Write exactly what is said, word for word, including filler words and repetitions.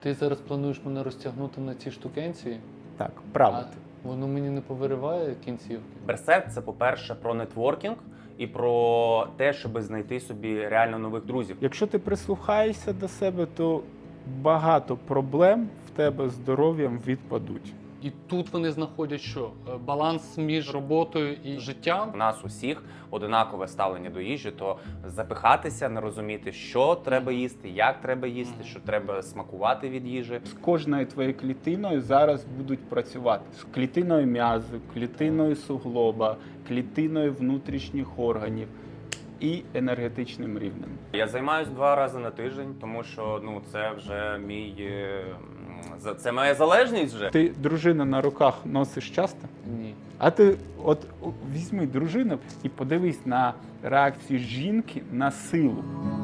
Ти зараз плануєш мене розтягнути на ці штукенці? Так, А правда. воно мені не повириває кінцівки? Берсерк – це, по-перше, про нетворкінг і про те, щоб знайти собі реально нових друзів. Якщо ти прислухаєшся до себе, то багато проблем в тебе з здоров'ям відпадуть. І тут вони знаходять що? Е, Баланс між роботою і життям? У нас усіх одинакове ставлення до їжі, то запихатися, не розуміти, що треба їсти, як треба їсти, що треба смакувати від їжі. З кожною твоєю клітиною зараз будуть працювати. З клітиною м'язу, клітиною суглоба, клітиною внутрішніх органів і енергетичним рівнем. Я займаюся два рази на тиждень, тому що ну це вже мій е, за- це моя залежність вже. Ти дружину на руках носиш часто? Ні. А ти от візьми дружину і подивись на реакцію жінки на силу.